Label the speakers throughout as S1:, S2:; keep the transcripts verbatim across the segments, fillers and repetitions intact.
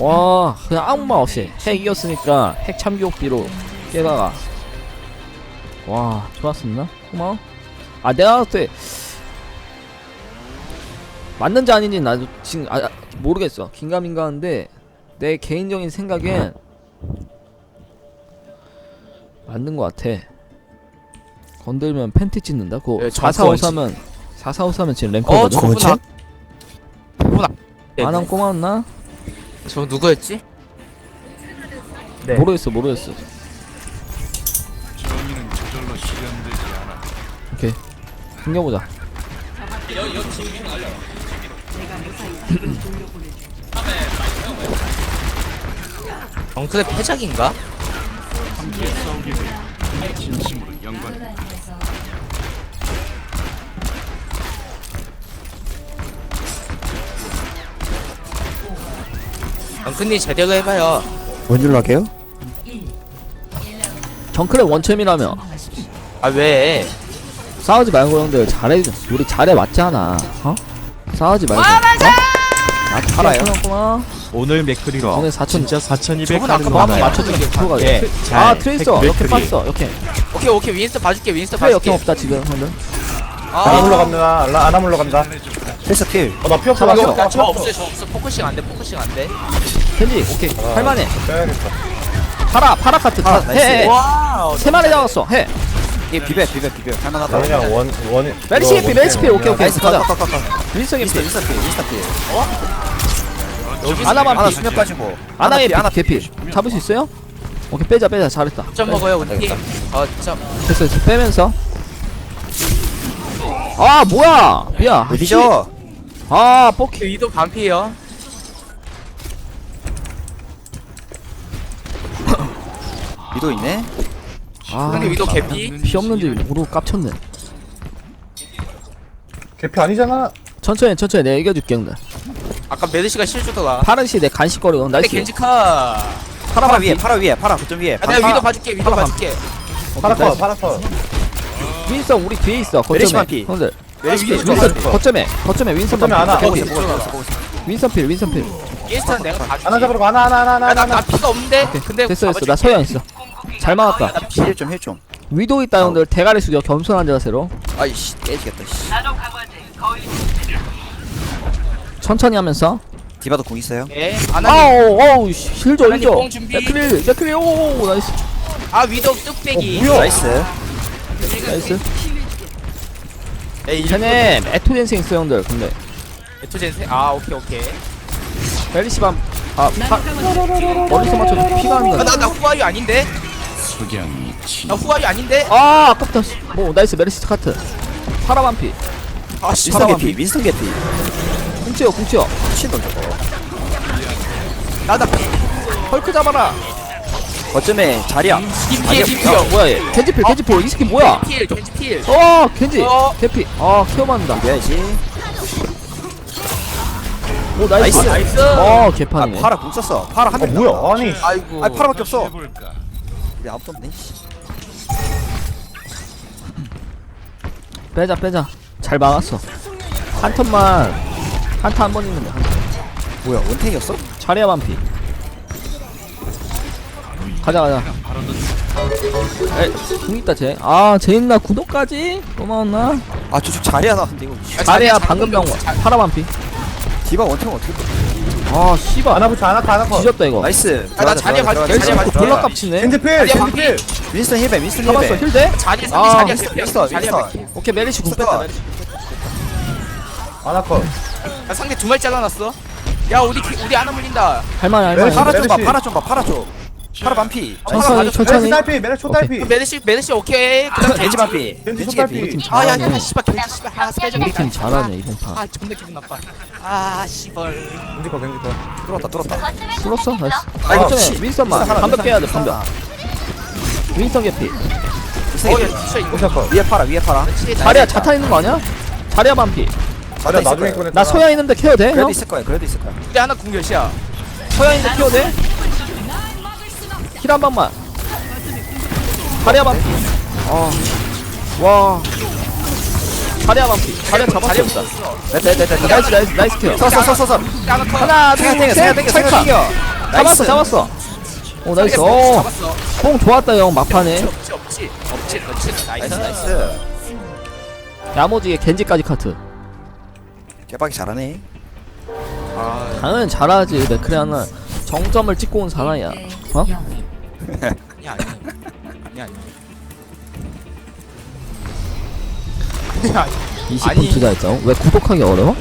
S1: 와 그냥 아무 말 없이 핵 이겼으니까 핵 참교육비로 깨다가 와 좋았었나? 고마워. 아 내가 봤을 때 맞는지 아닌지 나도 지금 아, 아, 모르겠어. 긴가민가한데 내 개인적인 생각엔 맞는 것 같아. 건들면 팬티 찢는다. 그거
S2: 예,
S1: 사사오사면 사사오사면 지금
S2: 어
S1: 랭커거든.
S2: 저분아 저분아
S1: 안함 꼬마였나?
S2: 저 누구였지?
S3: 네.
S1: 모르겠어 모르겠어.
S4: 정의는 저절로 실현되지 않아.
S1: 오케이 숨겨보자.
S2: 정크의 패작인가?
S4: 함께 싸우게 돼 진심으로 영광.
S2: 정크님 제대로 해봐요.
S3: 원줄로 할게요.
S1: 정크랩 원챔이라며
S2: 아 왜?
S1: 싸우지 말고 형들 잘해. 우리 잘해 맞잖아. 어? 싸우지 말고.
S2: 아 맞아!
S1: 어?
S3: 팔아요.
S1: 고마워.
S5: 오늘 맥크리로
S1: 오늘 사천
S5: 진짜 사천이백
S2: 저분
S5: 하는
S2: 아까
S1: 뭐 한번
S5: 건가요?
S1: 맞춰주는 게 프로가
S5: 예,
S1: 돼.
S5: 잘.
S1: 아 트레이서
S5: 핵
S1: 역행
S5: 맥크리.
S1: 빠졌어. 역행.
S2: 오케이 오케이 윈스터 봐줄게 윈스터
S1: 트레이 역행
S2: 봐줄게.
S1: 없다 지금 형들.
S3: 아나물로
S2: 아
S3: 갑니다. 라- 아나물로 갑니다. 패스 필. 어나 피 없어. 나 피
S1: 잡았어.
S3: 없어.
S2: 저 없어 저 없어 포커싱 안돼 포커싱 안돼.
S1: 켄지 오케이 할만해.
S3: 빼야겠다.
S1: 파라 파라 카트
S3: 아,
S1: 타.
S3: 나이스.
S1: 해. 해.
S2: 와우
S1: 세 마리 잡았어. 해.
S3: 이게 비벼 비벼 비벼. 할만하다. 그냥 원 원.
S1: 메리시 에피 메리시 피 오케이 오케이.
S3: 나이스.
S1: 가자.
S3: 컷컷컷.
S1: 윈스턴 에피.
S3: 인스타 필 인스타 필.
S1: 아나만
S3: 하나
S1: 피.
S3: 수면 빠지고.
S1: 아나 에피
S3: 하나
S1: 개피. 잡을 수 있어요? 오케이 빼자 빼자 잘했다.
S2: 점 먹어요 우리 팀. 어점
S1: 됐어 됐어 빼면서. 아 뭐야 미야.
S3: 어디죠?
S1: 아 뽀키.
S2: 위도 반피에요.
S3: 위도 있네.
S1: 아
S2: 근데 위도 개피.
S1: 피 없는지 모르고 깝쳤네.
S6: 개피 아니잖아.
S1: 천천히 천천히 내가 이겨줄게 형들.
S2: 아까 메드시가 실주더라.
S1: 파란 시내 간식거리고
S2: 근데
S1: 나이스.
S2: 겐지카.
S3: 파라 위에 파라 위에 파라 거점 위에.
S2: 아, 내가 위도 봐줄게 위도 봐줄게.
S6: 파라커, 파라커.
S1: 윈선 우리 뒤에 있어.
S3: 메리시만
S1: 거점에
S3: 피.
S1: 형들.
S3: 메리시 필.
S1: 윈선 거점에 거점에 윈선
S6: 거점에
S1: 반
S6: 하나.
S1: 피.
S3: 보고
S2: 오케이,
S3: 있어 보고 있어 보고 있어.
S1: 윈선 필 윈선 필.
S2: 윈스턴 내가 봐줄게.
S6: 하나 잡으러 가. 하나, 하나, 하나, 하나,
S2: 아, 나,
S6: 하나.
S2: 나 피가 없는데? 근데
S1: 됐어 됐어.
S2: 잡아줄게.
S1: 나 서양 있어. 잘 막았다.
S3: 힐 좀 힐 좀.
S1: 위도 있다 형들. 대가리 숙여 겸손한 자세로.
S3: 아이씨 깨지겠다. 씨.
S1: 천천히 하면서.
S3: 디바도 공 있어요?
S2: 예, 아나님.
S1: 아우 어우 힐줘
S2: 하나님
S1: 힐줘.
S2: 뽕 준비.
S1: 맥크릴 맥크릴 오 나이스
S2: 아, 위도 뚝배기.
S6: 어, 뭐야?
S3: 나이스.
S1: 나이스.
S2: 에이,
S1: 쟤네 에토젠생 있어 형들. 근데
S2: 에토젠세. 아, 오케이, 오케이.
S1: 멜리시밤 아 파, 멀리서 맞춰서 피가 안
S2: 아,
S1: 나.
S2: 나, 나 후아유 아닌데?
S4: 석양이 치.
S2: 나 후아유 아닌데?
S1: 아 아깝다. 뭐 나이스 메리시 카트. 파라반피.
S2: 아, 씨.
S3: 윈스턴 개피 윈스턴 개피.
S1: 궁치요 궁치요.
S3: 미친 놈 저거.
S2: 나다
S1: 헐크 잡아라.
S3: 거점에 자리야.
S2: 김피해,
S1: 야
S2: 김피요.
S1: 뭐야 얘. 겐지필 겐지필 이 새끼 뭐야.
S2: 필, 겐지 필.
S1: 어 겐지.
S2: 어.
S1: 개피. 아 케어 받는다.
S3: 이겨야지.
S1: 오 나이스.
S3: 나이스.
S2: 나이스.
S1: 어
S3: 아
S1: 개판이네.
S3: 파라 공 썼어. 파라 한
S6: 어,
S3: 명.
S6: 뭐야? 아니.
S2: 아이고.
S3: 아 파라밖에 없어.
S4: 해볼까?
S3: 우리 아무도 없네. 씨.
S1: 빼자 빼자. 잘 막았어. 한 턴만 한타 한 번 있는데 한 턴.
S3: 뭐야 원탱이었어?
S1: 차례야 반피. 가자 가자. 에, 궁 있다 쟤. 아, 쟤 있나 구독까지? 고마웠나?
S3: 아 저쪽 자리야 나왔는데 이거.
S2: 아,
S1: 차례야
S2: 자리야,
S1: 방금 병
S2: 자-
S1: 파라 반피.
S3: 디바 원탱 어떻게? 또-
S1: 아, 씨발.
S6: 하나 붙여, 하나 커, 하나 커.
S1: 뒤졌다 이거.
S3: 나이스.
S2: 아, 나 자리야 봐줄게,
S1: 멜시
S2: 자리야 봐줄게.
S1: 졸라 깝치네.
S6: 겐지필,
S2: 자리야,
S6: 겐지필.
S3: 윈스턴 힐베 윈스턴
S1: 잡았어.
S3: 힐베.
S1: 힐대?
S2: 자리야,
S1: 아,
S2: 자리야,
S3: 윈스턴,
S2: 자리야,
S3: 윈스턴,
S2: 자리야,
S3: 윈스턴.
S2: 자리야.
S1: 오케이, 메리시 궁 뺐다. 메리시.
S6: 하나 커.
S2: 아, 상대 두 마리 잘라놨어. 야, 우리 기- 우리 하나 물린다.
S1: 할만해, 할만해.
S6: 메리시.
S3: 파라 좀 봐.
S6: 메르시.
S3: 파라 좀 봐. 파라 좀. 파라 반피.
S1: 천천히,
S6: 메르시
S1: 천천히.
S6: 딸피, 메르시 초딸피.
S2: 메르시, 메르시 오케이. 그다음
S3: 겐지 반피.
S6: 겐지
S3: 겐지
S6: 손딸피.
S3: 개피.
S1: 우리 팀
S2: 아, 야,
S1: 잘하네.
S2: 야, 씨발, 겐지 씨발. 아, 스페셜
S1: 우리 팀 잘하네, 이번 판.
S2: 아, 존나 기분 나빠. 아, 씨발.
S6: 겐지 커, 겐지 커.
S3: 뚫었다 뚫었다.
S1: 풀었어? 나이스.
S3: 아, 이거
S1: 거점에
S3: 씨.
S1: 윈스턴만.
S3: 윈스턴 하나,
S1: 반벽 깨야 돼,
S3: 윈스턴
S1: 반벽. 윈스턴 개피.
S2: 어, 야, 진짜 이거.
S6: 윈스턴 커.
S3: 위에 파라 위에 파라.
S1: 자리야, 자탄 있는 거 아니야? 자리야 반피.
S6: 자리야,
S3: 있을
S6: 나중에
S3: 거야.
S6: 꺼냈다.
S1: 나 소야 있는데 케어 돼?
S3: 그래도
S1: 형?
S3: 있을 거야. 그래도 있을 거야.
S2: 우리 하나 공격이야.
S1: 소야 있는데 케어 돼? 힐 한 방만. 자리야 반피. 아. 와. 자리야 반피. 자리야 잡았어.
S2: 자리야
S1: 일단.
S2: 붙었어.
S3: 됐다 됐다 됐다.
S1: 나이스, 나이스, 나이스 케어.
S3: 서서 서서 서.
S2: 하나 커.
S1: 하나, 둘,
S3: 생각 땡겨
S1: 셋,
S3: 생각 땡겨 생각
S1: 찰칵.
S3: 땡겨.
S1: 잡았어 잡았어. 오 나이스. 어,
S2: 잡았어.
S1: 뽕 좋았다 형 막판에.
S2: 없지 없지 없지 그렇지 나이스
S3: 나이스
S2: 나이스.
S3: 나이스.
S1: 야무지게 겐지까지 카트.
S3: 깨박이 잘하네.
S2: 아
S1: 당연히 잘하지. 맥크리 하나 정점을 찍고 온 사나이야. 어?
S2: 아니 아니 아니 아니. 아니 아니.
S1: 이십 분
S2: 아니.
S1: 투자했죠. 왜 구독하기 어려워?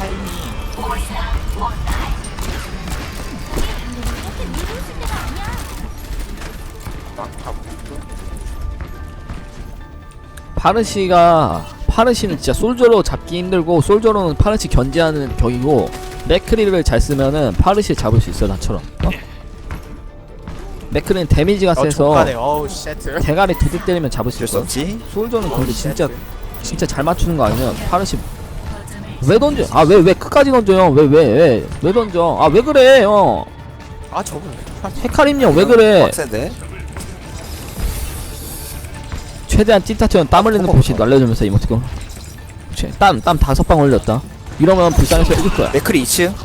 S1: 파르시가 파르시는 진짜 솔저로 잡기 힘들고 솔저로는 파르시 견제하는 격이고 맥크리를 잘 쓰면은 파르시 잡을 수 있어 나처럼. 어? 맥크리는 데미지가
S2: 어
S1: 세서
S2: 족가네. 어우 쉣.
S1: 대가리 두 대 때리면 잡을 수
S3: 어쩔 수
S1: 있어.
S3: 없지.
S1: 솔저는 근데 진짜 진짜 잘 맞추는 거 아니면 파르시 왜 던져? 아 왜 왜 끝까지 던져요? 왜 왜 왜 왜 던져? 아 왜 그래 형?
S2: 아 저거.
S1: 헤카림형 왜 그래?
S3: 빡센데.
S1: 최대한 찐타처럼 땀 흘리는 곳이 날려주면서 이모티콘. 땀땀 다섯 방 흘렸다. 이러면 불쌍해서 이길 거야.
S3: 맥크리 이 층.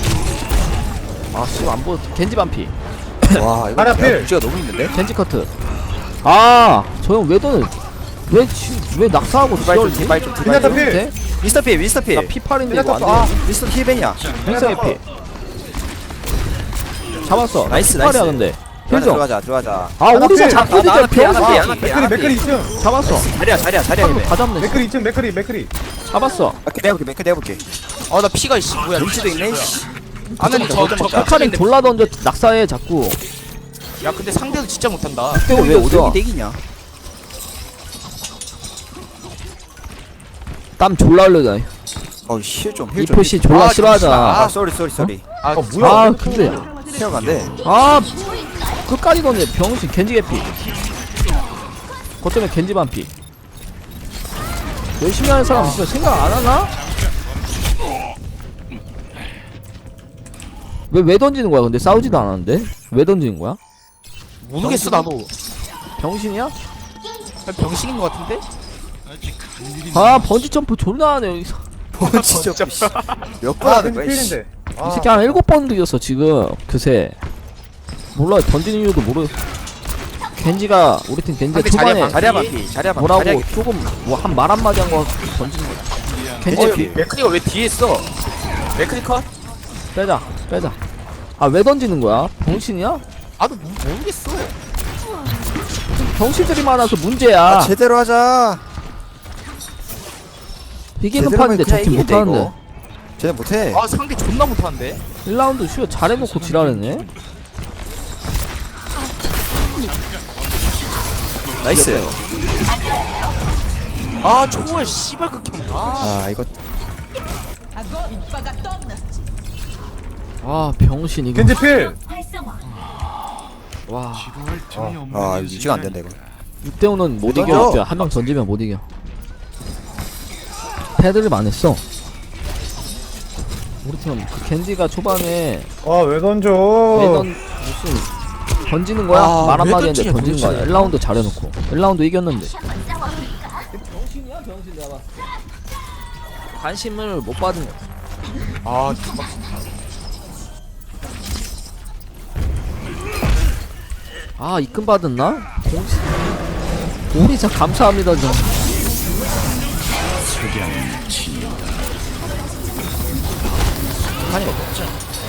S1: 아 씨발 안 보여. 겐지 반피.
S3: 와 이거
S6: 하나 필.
S3: 무지가 너무 있는데.
S1: 겐지 커트. 아 저 형 왜 던을 왜왜 낙사하고
S3: 디바이 좀
S1: 지랄지?
S3: 디바이 좀
S6: 미나타
S3: 디바이 좀.
S6: 필.
S3: 미스터 필 미스터 필.
S1: 나 피팔인데 이거
S6: 미나타
S1: 안
S6: 아
S1: 돼.
S3: 미스터 힐벤이야.
S1: 윈서 피. 잡았어.
S3: 나이스,
S1: 피팔이야
S3: 나이스.
S1: 근데.
S3: 들어가자
S1: 힐좀.
S3: 들어가자 들어가자.
S1: 아
S6: 하나
S1: 오리사
S6: 필.
S1: 잡고
S3: 아, 나 하나
S1: 있는데
S3: 필, 하나 필,
S1: 병사
S3: 하나 필.
S6: 맥크리 맥크리 이 층.
S1: 잡았어.
S3: 자리야 자리야 자리야 힐벤.
S1: 다 잡네.
S6: 맥크리 이 층 맥크리 맥크리.
S1: 잡았어.
S3: 오케이 내가 볼게 맥크리 내가 볼게.
S2: 어나 피가 이씨 뭐야.
S3: 눈치도 있네. 씨.
S2: 아는 저저
S3: 먹자.
S1: 헤카림 졸라 던져 낙사해 자꾸.
S2: 야 근데 상대도 진짜 못한다.
S3: 그때 왜 오덕이 땡이냐?
S1: 땀 졸라 흘려다.
S3: 어우 힐좀
S1: 이
S3: 힐 좀.
S1: 표시 졸라
S2: 아,
S1: 싫어하잖아.
S3: 아 쏘리 쏘리 쏘리.
S2: 아
S6: 어 뭐야?
S1: 아 근데
S3: 케어가 안 돼.
S1: 아 끝까지 던져 병신 겐지 개피. 그것 때문에 겐지 반피. 열심히 하는 사람 진짜 생각 안 하나? 왜 왜 던지는 거야? 근데 싸우지도 않았는데 왜 던지는 거야?
S2: 모르겠어 나도.
S1: 병신이야?
S2: 병신인 것 같은데?
S1: 아 번지 점프 존나 하네 여기서.
S3: 진짜 몇번
S6: 아
S3: 하는
S6: 겐지
S3: 거야? 씨.
S6: 필인데.
S1: 이
S6: 아
S1: 새끼 한 일곱 번 들렸어 지금 그새. 몰라 던지는 이유도 모르. 겐지가 우리 팀 겐지가
S2: 상대 자리야,
S1: 초반에
S3: 자리야 반피 자리야 반피.
S1: 뭐라고
S3: 자리야
S1: 조금 뭐 한 말 한마디 한 거 던지는 거야. 겐지
S3: 어,
S1: 피.
S2: 맥크리가 왜 뒤에 있어? 맥크리 컷?
S1: 빼자 빼자. 아 왜 던지는 거야? 병신이야?
S2: 나도 모- 모르겠어.
S1: 병신들이 많아서 문제야.
S3: 아, 제대로 하자.
S1: 이기는
S3: 제대로 하면
S1: 판인데
S3: 그냥
S1: 저팀
S3: 이기는데,
S1: 못하는데.
S3: 이거. 쟤네 못해.
S2: 아 상대 존나 못하는데?
S1: 일 라운드 슈어 잘해놓고 지랄했네.
S3: 나이스.
S2: 아 초월 씨발 극혐. 아
S3: 아 이거
S1: 아 병신 이거.
S6: 겐지 필.
S1: 와
S4: 지루할 틈이 없는
S3: 아
S4: 인생이
S3: 유지가 안 된다 이거.
S1: 육 대 오는 못
S3: 던져.
S1: 이겨. 한 명 던지면 못 이겨. 패드립 안 했어. 우리 팀은 그 겐지가 초반에
S6: 아왜 던져?
S1: 매던 무슨 던지는 거야?
S2: 아,
S1: 말
S2: 왜
S1: 한마디 했는데
S2: 던지냐,
S1: 던지는 거야.
S2: 도대체.
S1: 일 라운드 잘해놓고 일 라운드 이겼는데. 병신이야 병신 내가. 관심을 못 받은 거야.
S2: 아
S1: 아 입금 받았나? 공시 오리사 감사합니다 좀.
S4: 석양이 친다.
S1: 아니 없죠.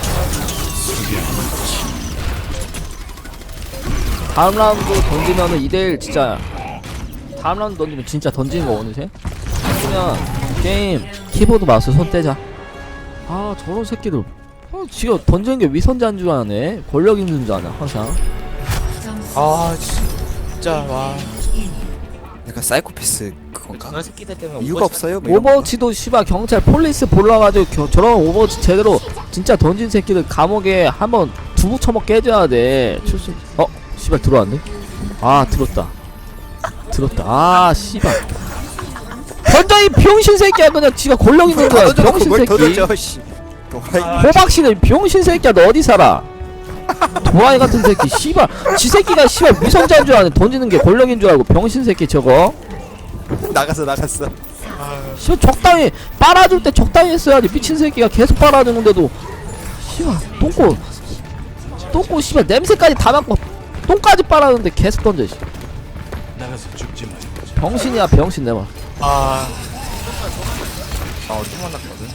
S1: 다음 라운드 던지면은 이 대 일 진짜. 다음 라운드 던지면 진짜 던지는 거 어느새? 그냥 게임 키보드 마우스 손 떼자. 아 저런 새끼들. 어 지금 던지는 게 위선자인 줄 아네. 권력 있는 줄 아네 항상.
S2: 아 진짜 와.
S3: 약간 사이코패스 그건가?
S2: 저런 새끼들 때문에
S3: 이유가
S2: 오버워치-
S3: 없어요? 뭐 이런 거?
S1: 오버워치도 씨발 경찰 폴리스 몰라가지고 겨, 저런 오버워치 제대로 진짜 던진 새끼들 감옥에 한번 두부 처먹게 해줘야 돼. 출신. 어 씨발 들어왔네. 아 들었다. 들었다. 아 씨발. 던져 이 병신 새끼야. 그냥 지가 권력 있는 거야.
S3: 던져놓고
S1: 병신
S3: 뭘 더
S1: 새끼.
S3: 던져, 씨. 도라이.
S1: 호박씨는 병신 새끼야. 너 어디 살아? 도라이 같은 새끼. 씨발. 지 새끼가 씨발 위성자인 줄 아네. 던지는 게 권력인 줄 알고 병신 새끼 저거.
S3: 나갔어 나갔어.
S1: 씨발 적당히 빨아줄 때 적당히 했어야지. 미친 새끼가 계속 빨아주는데도 씨발 똥꼬 똥꼬 씨발 냄새까지 다 맡고 똥까지 빨았는데 계속 던져 씨.
S4: 나가서 죽지 말고.
S1: 병신이야 병신 내봐.
S2: 아. 아, 어디 만났거든?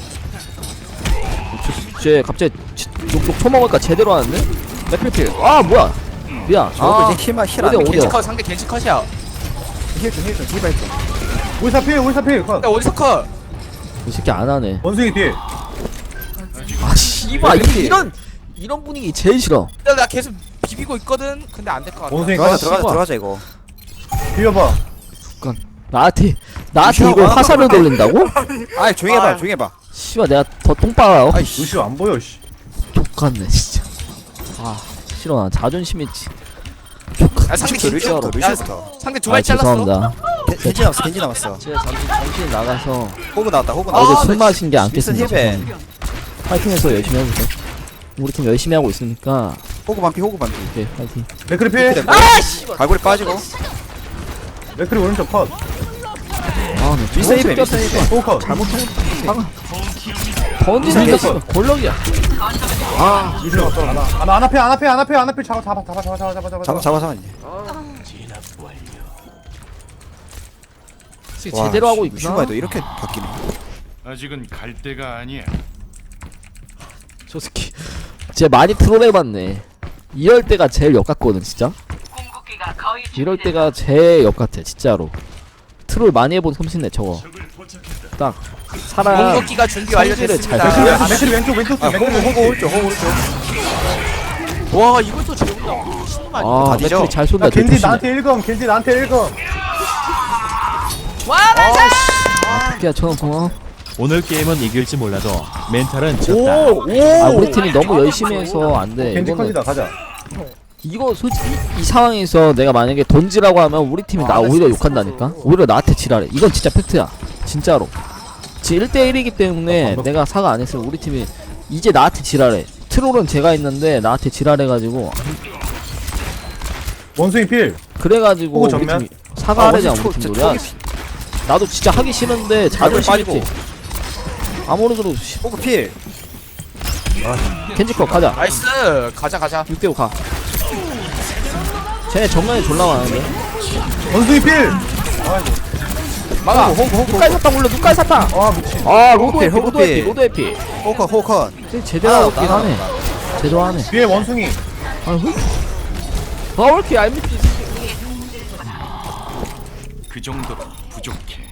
S1: 쟤 갑자기 치- 욕욕 처먹을까 제대로 하는데? 맥필필. 아 뭐야? 미안.
S3: 저거
S1: 아
S3: 이제 힐만 힐
S1: 어디,
S3: 안.
S1: 어디?
S2: 겐지 컷, 상대 겐지 컷이야.
S3: 힐좀 힐좀 힐발 좀.
S6: 울사 필 울사 필 컷.
S2: 야, 어디서 컷?
S1: 이 새끼 안 하네.
S6: 원숭이 뒤에.
S1: 아 씨발 이- 이런 이런 분위기 제일 싫어.
S2: 야, 나 계속 비비고 있거든? 근데 안 될 것 같아.
S6: 원숭이
S3: 들어가자
S6: 컷.
S3: 들어가자
S1: 씨발.
S3: 들어가자 이거.
S6: 비벼봐.
S1: 나한테 나한테
S3: 무시하고
S1: 이걸
S3: 하나
S1: 화살을 돌린다고?
S3: 아이 조용히 해봐
S2: 아.
S3: 조용히 해봐.
S1: 씨발 내가 더 똥빨아.
S3: 아이
S6: 루시오 안 보여 씨.
S1: 족같네 진짜. 아 싫어 나 자존심 있지.
S2: 야, 상대 겐지.
S1: 루시오로.
S2: 야,
S3: 루시오부터.
S2: 상대 두
S1: 아
S2: 발 잘랐어.
S1: 죄송합니다.
S3: 겐지 남았어 겐지 남았어.
S1: 제가 잠시 정신 나가서
S3: 호그 나왔다 호그
S2: 아,
S3: 나왔다.
S1: 어제 술 마신 게 안
S3: 윌슨
S1: 깼습니다.
S3: 힐벤.
S1: 죄송합니다. 파이팅해서 열심히 해보세요. 우리 팀 열심히 하고 있으니까
S3: 호그 반피 호그 반피.
S1: 오케이 파이팅.
S6: 맥크리 필.
S3: 갈고리 빠지고.
S6: 맥크리 오른쪽 컷.
S1: 아네
S3: 윌슨 힐벤 윌슨 힐벤.
S6: 또 컷.
S1: 잘못한 거 던지는 게 씨발 권력이야. 아
S6: 루시오 하나. 하나 안 앞에 안 앞에 안 앞에 안 앞에 잡아 잡아 잡아 잡아 잡아 잡아
S3: 잡아
S6: 잡아.
S3: 잡아 잡아.
S1: 제대로 하고 있구나.
S3: 슈바에도 이렇게 바뀌네.
S4: 아직은 갈 때가 아니야.
S1: 저 새끼 쟤 많이 트롤해봤네. 이럴 때가 제일 역같거든 진짜. 이럴 때가 제일 역같아 진짜로. 트롤 많이 해본 솜씨네 저거. 딱 사람
S2: 공격기가 준비
S1: 성질을 잘
S2: 완료됐습니다.
S1: 살려.
S6: 맥크리 왼쪽 왼쪽
S3: 아
S6: 뒤.
S3: 호그
S6: 맥크리
S3: 호그 오른쪽 호그 오른쪽.
S2: 와, 이걸 또 재운다고? 미친놈 아니야?
S1: 아
S3: 다 뒤져.
S1: 맥클이 잘 쏜다.
S6: 야 겐지
S1: 조심해.
S6: 나한테 일 검. 겐지 나한테 일 검.
S2: 와, 맞아!
S1: 야 저는 고마워.
S5: 오늘 게임은 이길지 몰라도 멘탈은 졌다.
S6: 오
S1: 아
S6: 오.
S1: 우리 팀이 너무 열심히 해서 안 돼.
S6: 겐지
S1: 이거는
S6: 컷이다 가자.
S1: 이거 솔직히 이, 이 상황에서 내가 만약에 던지라고 하면 우리 팀이 나 오히려 욕한다니까. 오히려 나한테 지랄해. 이건 진짜 팩트야. 진짜로. 지금 일 대 일이기 때문에 내가 사과 안 했으면 우리 팀이 이제 나한테 지랄해. 트롤은 제가 있는데 나한테 지랄해가지고
S6: 원숭이 필.
S1: 그래가지고
S6: 오,
S1: 우리
S6: 정면?
S1: 팀이 사과하려냐
S3: 아,
S1: 우리
S3: 원숭이
S1: 팀
S3: 초-
S1: 노래.
S3: 초-
S1: 나도 진짜 하기 싫은데 자존심
S3: 빠지고.
S1: 있지. 아무래도 씨,
S3: 호그 필.
S1: 겐지컷 가자.
S2: 나이스! 가자, 가자.
S1: 육 대 오 가. 쟤네 정면에 졸라 많은데.
S6: 원숭이 필.
S2: 막아!
S1: 호그 호그 누까지 사탕 올려. 누까지 사탕.
S6: 아 미친.
S1: 아 로드
S3: 호그
S1: 에피
S3: 호그
S1: 로드 에피
S3: 필.
S1: 로드 에피.
S3: 호그 호그.
S1: 쟤 제대로 하고 있긴 하네. 제대로 하네.
S6: 뒤에 원숭이.
S1: 아 왜? 아왜 이렇게 얄밉지?
S4: 그 정도로 부족해.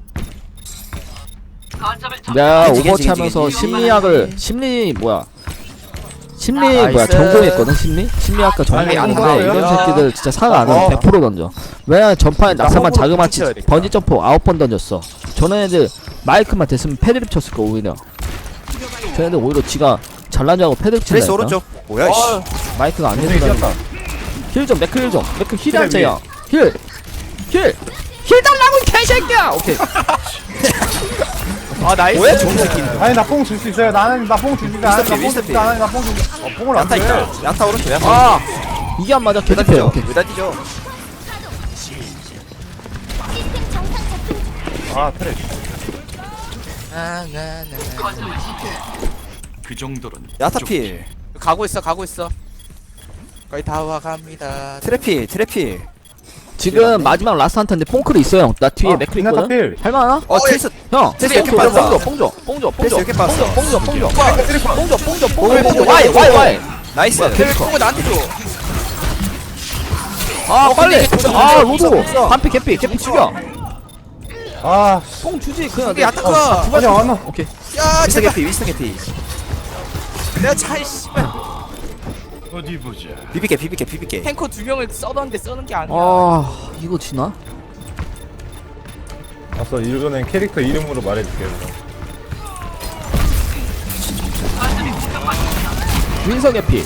S1: 내가
S3: 겐지,
S1: 오버워치
S3: 겐지,
S1: 하면서
S3: 겐지.
S1: 심리학을 심리 뭐야 심리
S2: 아,
S1: 뭐야
S2: 나이스.
S1: 전공했거든. 심리 심리학과
S6: 아니, 안
S1: 전공했는데
S6: 나와요.
S1: 이런 새끼들 진짜 사과 안 하면
S6: 어.
S1: 백 퍼센트 던져. 왜냐면 전판에 낙사만
S2: 호흡으로
S1: 자그마치
S2: 붙여야 되겠다.
S1: 번지 점프 아홉 번 던졌어. 저런 애들 마이크만 됐으면 패드립 쳤을 거 오히려. 저 애들 오히려 지가 잘난 줄 알고 패드립
S3: 트레이스
S1: 친다니까.
S3: 오른쪽. 뭐야 이씨.
S2: 어,
S1: 마이크가 안
S6: 원숭이
S1: 되더라.
S6: 뛰었다.
S1: 힐좀 맥크 힐좀 맥크 힐이 안
S6: 그래,
S1: 차야. 힐 힐! 힐 달라고 이 개새끼야! 오케이.
S2: 아, 나이스!
S3: 뭐야 좋은 새끼.
S6: 아니 나 뽕 줄 수 있어요. 나는 나 뽕 줄 수 있어. 나는
S3: 미스터
S6: 나뽕 줄 수
S3: 피,
S6: 있어. 나는 나뽕 줄 수 있어. 어, 뽕을 안
S3: 야타
S6: 줘.
S3: 있다. 야타 오른쪽 야타.
S1: 아! 이게 안 맞아.
S3: 왜다
S1: 개집해.
S3: 뛰죠?
S1: 오케이.
S3: 왜다 뛰죠?
S6: 아 트랙.
S2: 아, 나, 나, 나.
S4: 그 정도로는
S3: 야타
S4: 부족해.
S3: 필.
S2: 가고 있어, 가고 있어. 거의 다 와갑니다.
S3: 트래필 트래필.
S1: 지금 마지막 라스트 한타인데 뽕클이 있어요. 나 뒤에
S6: 아,
S1: 맥클
S6: 비나타
S1: 있거든.
S6: 필.
S1: 할만하나?
S3: 어 트레이스.
S1: 형.
S3: 트레이스 이렇게
S1: 뽕줘,
S3: 빠졌어.
S1: 뽕줘, 뽕줘, 뽕줘,
S3: 트레이스 이렇게
S1: 뽕줘,
S3: 빠졌어.
S1: 뽕줘, 뽕줘, 뽕줘,
S6: 트랙 컷.
S1: 뽕줘, 뽕줘,
S3: 오,
S1: 뽕줘, 뽕줘.
S3: 오,
S1: 와이,
S3: 오,
S1: 와이,
S3: 오.
S1: 와이.
S3: 나이스.
S2: 걔를 뽕을 나한테 줘.
S1: 아 빨리.
S2: 근데
S1: 아
S2: 없어,
S1: 로드.
S2: 없어.
S1: 반피 개피, 개피 죽여.
S6: 아
S1: 뽕 주지 그냥.
S2: 이게 야타카!
S6: 아니 안 와.
S1: 오케이.
S2: 야,
S3: 위스터
S2: 제발!
S3: 개피 위스터 개피.
S2: 내가 차이, 씨발.
S4: 어디 보자.
S3: 비비게 비비게 비비게.
S2: 탱커 두 명을 써던데 써는 게 아니야.
S1: 아 이거 지나?
S6: 알았어 이번엔 캐릭터 이름으로 말해줄게.
S1: 윈서 개피.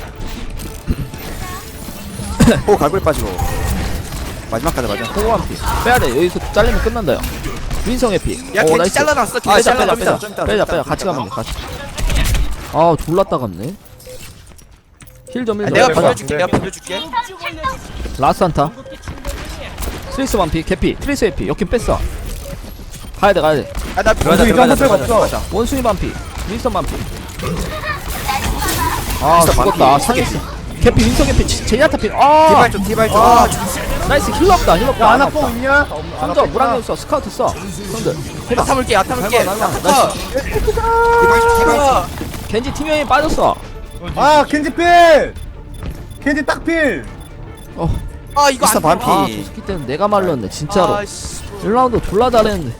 S3: 호 갈고리 빠지고. 마지막까지 맞아.
S1: 호구 한 피. 빼야 돼. 여기서 잘리면 끝난다 요. 윈서 개피.
S2: 야,
S1: 오
S2: 겐지
S1: 나이스.
S2: 잘라놨어.
S3: 아,
S2: 겐지
S1: 빼자 빼자
S3: 좀
S1: 빼자
S3: 이따, 좀 이따,
S1: 빼자
S3: 좀
S1: 빼자
S3: 이따.
S1: 같이 가면 돼 같이. 아 졸라 따갑네. 힐좀
S2: 아,
S1: 힐좀.
S2: 내가
S6: 빼봐.
S2: 빌려줄게, 내가 빌려줄게.
S1: 라스 한타. 트리스 완피 개피. 트리스 에피. 여긴 뺐어. 가야돼 가야돼.
S2: 아, 나
S3: 들어가자
S6: 원숭이
S3: 들어가자
S6: 점프
S3: 들어가자
S6: 없어.
S3: 들어가자.
S1: 원숭이 반피. 윈스턴 반피. 아
S3: 윈스턴
S1: 죽었다.
S3: 반피.
S1: 상했어. 개피 윈성 개피 제- 제니아타 필. 아
S3: 디발 좀 디발 좀.
S6: 아,
S1: 나이스 힐러다 힐러다.
S6: 야 아나뽕 있냐?
S1: 손절 무랑경 써 스카우트 써. 손절. 해봐.
S2: 야타 물게 야타 물게.
S1: 날마, 날마.
S2: 야타.
S3: 디발 좀 디발 좀.
S1: 겐지 팀명이 빠졌어.
S6: 아 겐지 필! 겐지 딱 필!
S1: 어.
S2: 아 이거
S3: 미스터
S2: 안
S3: 반피.
S1: 아, 저 새끼 때문에 내가 말렸네 진짜로.
S2: 아씨.
S1: 일 라운드 졸라 잘했는데.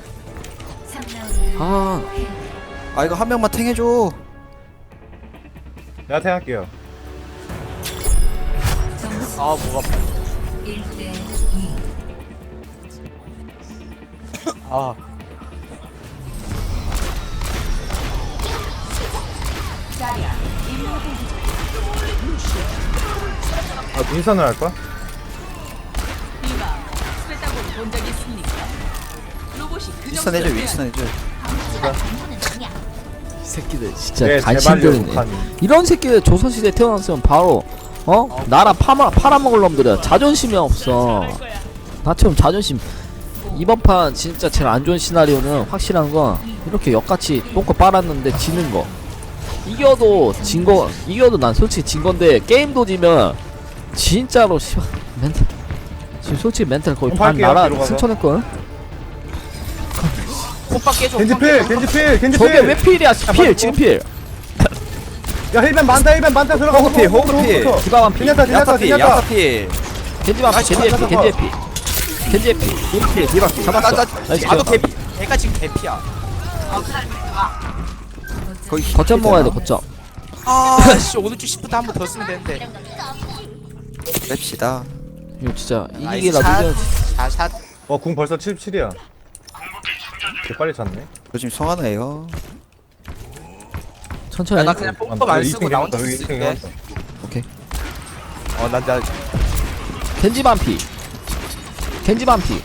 S1: 아,
S3: 아 이거 한 명만 탱해줘.
S6: 내가 태할게요.
S2: 아 뭐가. 아.
S6: 아 윈선을 할까?
S3: 윈스턴 해줘 윈스턴 해줘.
S1: 이 새끼들 진짜
S6: 네,
S1: 간신들이네.
S6: 제발요,
S1: 이런 새끼들 조선시대 태어났으면 바로 어? 나라 파마, 팔아먹을 놈들이야. 자존심이 없어. 나처럼 자존심. 이번 판 진짜 제일 안 좋은 시나리오는 확실한 건 이렇게 역같이 똥꼬 빨았는데 지는 거. 이겨도 진 거, 이겨도 난 솔직히 진 건데 게임도 지면 진짜로 씨발 멘탈 지금 솔직히 멘탈 거의 반
S6: 팔게요,
S1: 나라
S6: 뒤로 가서.
S1: 승천했거든.
S2: 호박 깨줘.
S6: 겐지 필! 겐지 필! 겐지
S1: 저게
S6: 필!
S1: 왜 필이야? 필 지금 필.
S6: 야 힐벤 많다 힐벤 많다 들어가
S3: 호그 필, 호그 필.
S1: 디바만 필.
S6: 제니아타 제니아타
S3: 야타피
S6: 제니아타
S3: 야타피.
S1: 겐지만 필. 겐지의 필. 겐지의 필. 겐지의 필.
S3: 디바피 디바피.
S1: 잡았어.
S2: 나,
S1: 나이스.
S2: 나도 개피. 걔가 지금 개피야.
S3: 거기
S1: 거점 먹어야 돼 거점.
S2: 아씨 오른쪽 시프트 한 번 더 쓰면 되는데.
S3: 뺍시다.
S1: 이거 진짜
S2: 나이스
S1: 이기기라도
S2: 샷.
S1: 이겨야지.
S2: 샷 샷.
S6: 어궁 벌써 칠십칠이야 개 빨리 찼네
S3: 저 지금 성하나예요.
S1: 천천히.
S2: 야, 나 그냥 뽕법 안 쓰고 나 혼자
S6: 여기
S2: 쓸게.
S6: 이층에
S1: 오케이.
S2: 어나나
S1: 겐지 반피. 겐지 반피.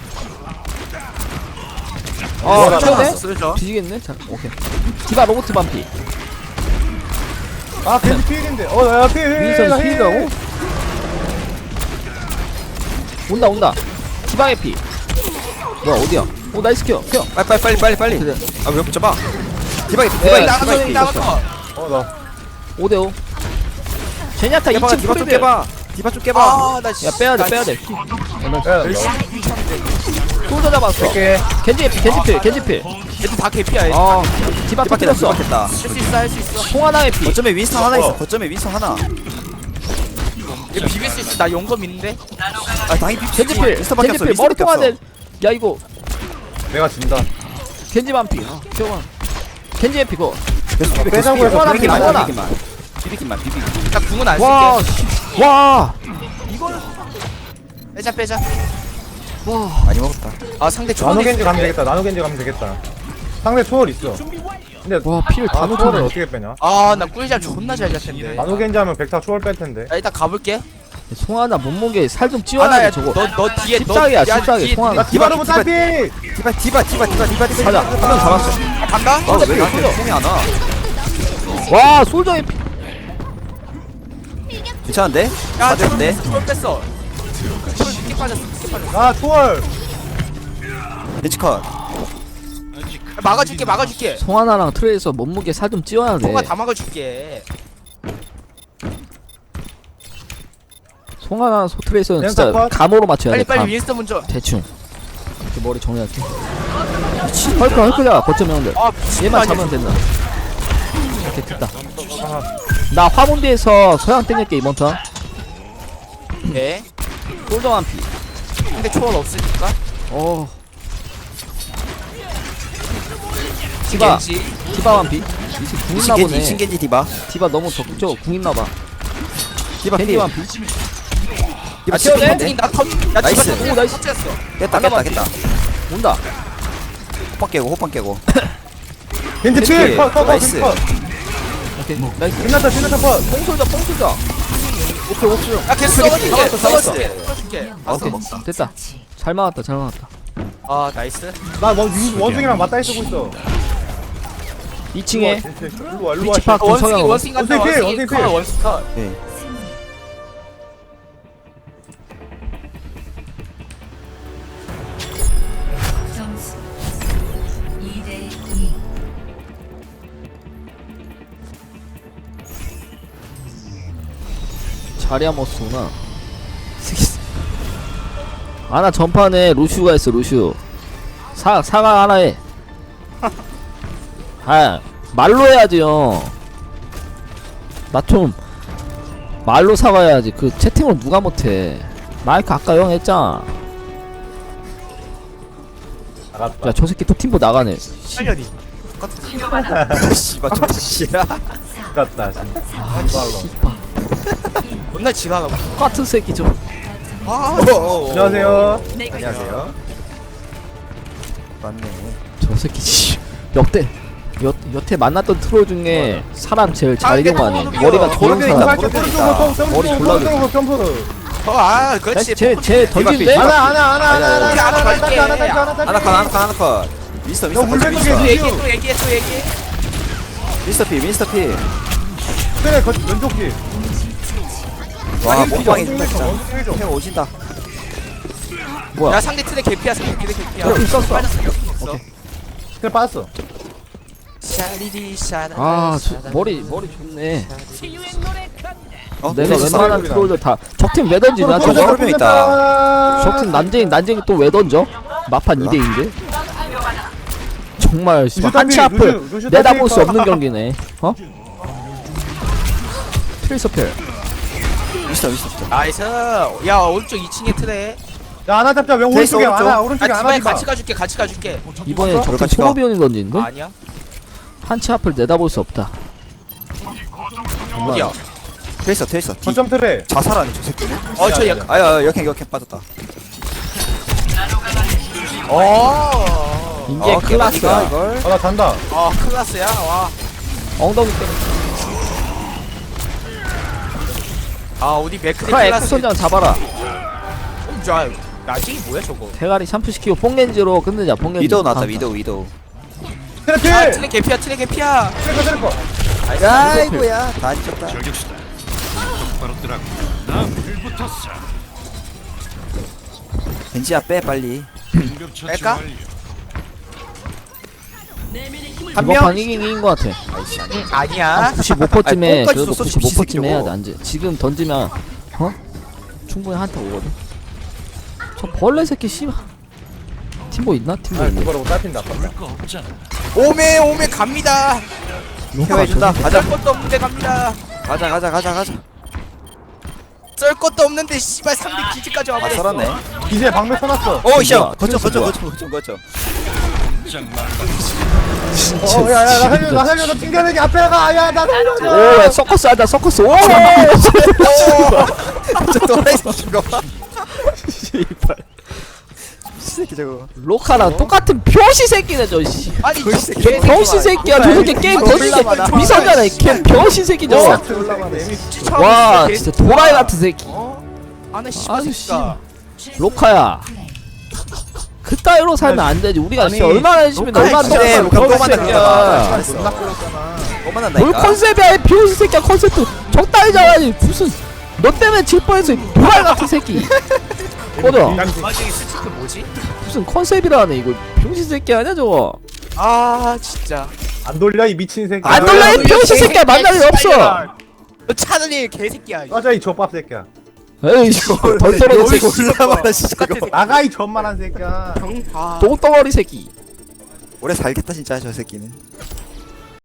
S1: 어,
S6: 뭐야,
S1: 쳐도 돼?
S2: 나 쓰죠.
S1: 뒤지겠네. 자, 오케이. 디바 로봇 반피.
S6: 아 겐지 필인데 어야 필!
S1: 윈선 힐이라고? 온다 온다. 디바의 피. 뭐야 어디야? 오 나이스 켜. 켜.
S3: 빨리 빨리 빨리 빨리 빨리.
S1: 그래.
S3: 아왜 붙잡아? 디바이
S1: 네,
S3: 디바이
S2: 나가서
S3: 디바이.
S2: 나가서.
S6: 어나
S1: 오 대 오. 제니아타
S3: 깨봐
S1: 이 층
S3: 디바 좀
S1: 프리드.
S3: 깨봐. 디바 좀 깨봐.
S2: 아나
S1: 야 빼야 돼 빼야 돼. 솔더 잡았어.
S6: 이렇게
S1: 겐지 피 겐지 필 겐지 필.
S2: 얘들 다 개피야. 얘.
S1: 어. 디바
S3: 디바 깼다
S1: 터뜨렸어.
S3: 디바 깼다.
S2: 할 수 있어 할 수 있어.
S1: 송하나의 피.
S3: 거점에 윈스턴 하나 있어.
S6: 어.
S3: 거점에 윈스턴 하나.
S2: 얘 비빌 수 있어. 나 용검 있는데.
S3: 아 당연히 비.
S1: 겐지 필.
S3: 윈스턴밖에
S1: 겐지
S3: 없어.
S1: 필. 머리
S3: 윈스턴밖에
S1: 통화돼.
S3: 없어.
S1: 야 이거
S6: 내가 진다
S1: 겐지 반피. 어, 켜봐. 겐지의 피고.
S3: 계속 비비
S6: 빼자고
S3: 계속
S6: 해서
S3: 비비기만
S1: 빼자고
S3: 비비기만 비비기만 비비기만.
S2: 나 궁은 안 쓸게.
S1: 와, 씨. 와.
S2: 빼자 빼자.
S1: 와.
S3: 많이 먹었다.
S2: 아 상대
S6: 나노
S2: 초월이
S6: 겐지 가면 되겠다 나노 겐지 가면 되겠다 상대 초월 있어 근데
S1: 와, 피를 다
S6: 아 초월을
S1: 놓쳤네.
S6: 어떻게 빼냐
S2: 아나 꿀잠 존나 잘 잤텐데.
S6: 나노 겐지 하면 백타 초월 뺄 텐데
S2: 야 일단 가볼게.
S1: 송하나 몸무게 살 좀 찌워야
S2: 아나야
S1: 돼 저거.
S2: 너너 뒤에 너
S1: 십사기야,
S2: 야,
S1: 십사기.
S2: 뒤에
S1: 송하나.
S6: 나 디바로브
S3: 디바,
S6: 딸피
S3: 디바 디바 디바 디바 디바 디바.
S1: 가자. 한 명 잡았어.
S2: 아, 간다.
S3: 아왜 이렇게 폼이 안 와?
S1: 와, 솔저의 피.
S3: 괜찮은데?
S2: 야
S3: 맞았는데?
S2: 초월 뺐어. 초월 깊게 빠졌어. 깊게 빠졌어.
S6: 아 초월
S3: 벤치컷.
S2: 야, 막아줄게 막아줄게.
S1: 송하나랑 트레이서 몸무게 살 좀 찌워야 돼.
S2: 통화 다 막아줄게.
S1: 송하나 소 트레이서는
S6: 그냥
S1: 진짜
S6: 컷.
S1: 감으로 맞춰야
S2: 빨리
S1: 돼.
S2: 빨리
S1: 감.
S2: 윈스턴 먼저.
S1: 대충. 이렇게 머리 정리할게. 헐크 헐크자 거점 형들.
S2: 아 미친
S1: 얘만
S2: 거 아니야.
S1: 잡으면 된다. 이렇게 됐다. 나 화문대에서 서양 땡길게 이번 턴.
S2: 네.
S1: 솔저 한 피.
S2: 근데 초월 없으니까.
S1: 어. 디바.
S2: 겐지.
S1: 디바 한 피. 이제 궁 있나
S3: 칭겐지
S1: 보네.
S3: 칭겐지 디바.
S1: 디바 너무 적극적으로 궁 있나 봐.
S3: 디바
S1: 겐지
S3: 필.
S1: 한 피.
S3: 디바
S1: 아, 채워내?
S3: 칭겐지.
S2: 나 턴. 야
S3: 나이스.
S2: 디바
S1: 오, 나이스.
S2: 터치했어.
S3: 깼다 깼다 깼다.
S1: 온다.
S3: 호빵 깨고 호빵 깨고.
S6: 겐지
S3: 겐지.
S6: 필! 컷! 컷! 컷!
S3: 나이스.
S6: 컷!
S1: 오케이. 나이스.
S6: 끝났다 끝났다 컷!
S1: 뽕솔자 뽕솔자. 오케이 오케이.
S2: 야 계속 써줄게.
S1: 잡았어, 잡았어.
S2: 써줄게. 써줄게.
S1: 오케이. 됐다. 잘 막았다 잘 막았다.
S2: 아 나이스.
S6: 나 원, 원숭이랑 맞다이 쓰고 있어
S1: 이 층에
S6: 일로 와 일로 와
S1: 위치 파악
S2: 원숭이
S1: 구성형.
S2: 원숭이 간다.
S6: 원숭이 필,
S2: 원숭이
S6: 원숭이 필.
S2: 컷 원숭이 컷.
S3: 네.
S7: 점수 이 대 이.
S1: 자리야 머스구나. 아나 전판에 루슈가 있어 루슈. 사 사과 하나 해. 아 말로 해야지요. 나 좀 말로 사과해야지. 그 채팅으로 누가 못해. 마이크 아까 형 했잖아.
S3: 나갔다.
S1: 야 저 새끼 또 팀보 나가네.
S2: 살려니.
S3: 씨발 좀 씨야. 나갔다 진짜.
S2: 존나 지나가고.
S1: 똑같은 새끼 좀.
S2: 아,
S6: 안녕하세요.
S3: 안녕하세요. 맞네.
S1: 저 새끼 씨. 역대 여, 여태 만났던 트롤 중에 사람 제일 잘
S2: 아,
S1: 이용하네.
S2: 이게
S1: 머리가 좋은
S2: 모르겠다.
S1: 사람. 머리 졸라
S6: 점프 점프.
S2: 어, 아, 그렇지.
S1: 쟤쟤 던진대?
S6: 하나 하나 하나 하나 하나
S2: 우리 하나 갈게.
S6: 하나 딸기 하나 딸기.
S3: 하나 컷 하나 컷 하나 컷. 미스터 미스터
S6: 물
S3: 컷,
S6: 뺏는
S3: 미스터.
S2: 또
S6: 게
S2: 얘기해, 또 얘기해, 또 얘기해.
S3: 미스터 피 미스터 피.
S6: 그래 거 왼쪽 길.
S3: 와 몸빵이
S6: 엉덩이
S3: 진짜.
S6: 좀, 엉덩이 좀.
S3: 형 오진다.
S1: 뭐야?
S2: 야, 상대 트랙 개피야, 상대 트랙 개피야.
S1: 어, 있었어.
S2: 빠졌어, 없어.
S6: 그래 빠졌어.
S2: 샤리리 샤라.
S1: 아, 저, 머리 머리 좋네.
S3: 어?
S1: 내가
S3: 미스터
S1: 웬만한
S3: 피.
S1: 트롤들 다 적팀 왜 던지냐
S3: 어,
S1: 저거?
S3: 어, 명 있다.
S1: 적팀 난쟁이 난쟁이 또 왜 던져? 마판 이 대 이인데? 정말 씨발 한치
S6: 루슈
S1: 앞을
S6: 루슈, 루슈
S1: 내다볼 수
S6: 터뜨릴까?
S1: 없는 경기네. 어? 트레이서펠.
S3: 미스터 미스터.
S2: 나이스. 야, 오른쪽 이 층에 트랙.
S6: 야 하나 잡자. 왜
S3: 페이스
S6: 오른쪽에
S3: 오른쪽.
S6: 하나
S2: 아,
S6: 오른쪽에 하나
S2: 디바에
S6: 잡아.
S2: 같이 가줄게, 같이 가줄게.
S1: 이번에 적팀
S3: 같이 가.
S1: 소로비온이 던지는데?
S2: 아니야?
S1: 한치 앞을 내다볼 수 없다.
S2: 어디야?
S3: 테이서 테이서. 뒤.
S6: 거점 트레.
S3: 자살 아니 저 새끼.
S2: 어, 저 약.
S3: 아야 역행 역행 빠졌다.
S2: 어.
S1: 이게
S3: 어,
S1: 클라스야.
S3: 이걸.
S6: 아나 잔다.
S2: 어, 클라스야. 와.
S1: 엉덩이 때려.
S2: 아, 우리 맥크리
S1: 크라
S2: 클라스.
S1: 에크선장 잡아라.
S2: 어, 저 나중에 뭐야 저거?
S1: 대가리 샴푸 시키고 뽕렌즈로 끝내자. 뽕렌즈.
S3: 위도우 나왔다
S1: 아,
S3: 위도우 위도우.
S6: 트레
S2: 아,
S6: 필.
S2: 트랙 개피야, 트랙 개피야.
S6: 트레 거 트레 거.
S3: 아이고야 다 뒤졌다.
S4: 저격수다. 똑바로 뜨라고. 나 불붙었어.
S3: 벤지야 빼 빨리.
S4: 긴급 처치
S2: 뺄까?
S4: 완료.
S2: 한
S1: 이번
S2: 명?
S1: 판 이긴 이긴 거 같아.
S3: 아이씨 아니.
S2: 아니야.
S1: 구십오 퍼쯤에
S3: 아니, 뽕까지
S1: 그래도
S3: 줬어,
S1: 구십오 퍼쯤에
S3: 새끼
S1: 해야 돼.
S3: 저거.
S1: 안 돼. 지금 던지면 어? 충분히 한타 오거든. 저 벌레 새끼 씨발. 팀보 있나? 팀보
S6: 아
S1: 있네.
S6: 그거라고 딸핀다.
S4: 거 없잖아.
S2: 오메 오메 갑니다.
S3: 케어해준다. 가자
S2: 썰 것도 없는데 갑니다.
S3: 가자 가자 가자 가자.
S2: 썰 것도 없는데 씨발 상대 기지까지
S3: 아
S2: 와버렸어.
S3: 썰었네.
S6: 이제 방매 쳐놨어.
S3: 오 씨.
S1: 뭐야?
S3: 거쳐 거쳐
S1: 뭐야?
S3: 거쳐 거쳐 거쳐.
S4: 짱 말라.
S6: 어 야야 나 살려 나 살려 너 튕겨내기 앞에 가. 야나 살려줘.
S1: 오, 야, 서커스 하자, 서커스. 오!
S3: 저 또라이 새끼가.
S1: 씨발.
S3: 새끼 저거.
S1: 로카랑 똑같은 병신 새끼네, 저 씨.
S2: 아니 저
S3: 벌써
S2: 개새끼
S1: 병신 새끼야. 저 새끼 게임 던진 게 미성잖아. 걔 병신 새끼 저거. 와, 진짜 도라이 같은 새끼.
S2: 아나 씨발
S1: 아주
S2: 새끼가.
S1: 로카야. 그따위로 살면 안 되지. 우리가
S6: 아니,
S1: 진짜 얼마나 열심히
S3: 로카의
S1: 얼마나
S3: 기대에
S1: 똑같은
S3: 로카 또
S1: 병신
S3: 만났다.
S1: 새끼야.
S3: 또
S1: 뭘
S3: 만난다니까.
S1: 컨셉이야, 이 병신 새끼야. 컨셉도 적당히잖아. 무슨 너 때문에 질 뻔했어. 이 도라이 같은 새끼. 꺼져.
S2: 마지막에 스티커 뭐지?
S1: 무슨 컨셉이라네 이거. 병신 새끼 아니야 저거.
S2: 아 진짜.
S6: 안 돌려 이 미친 새끼.
S1: 안 돌려 이 병신 새끼야. 만날 일 없어.
S2: 너 차라리 개새끼야.
S6: 맞아 이 족밥 새끼야.
S1: 에이 덜 떨어져
S3: 이거
S1: 새끼.
S3: 올라봐라 진짜
S2: 똑같아,
S3: 이거.
S6: 나가 이 전만한 새끼야.
S2: 아.
S1: 똥덩어리 새끼.
S3: 오래 살겠다 진짜 저 새끼는.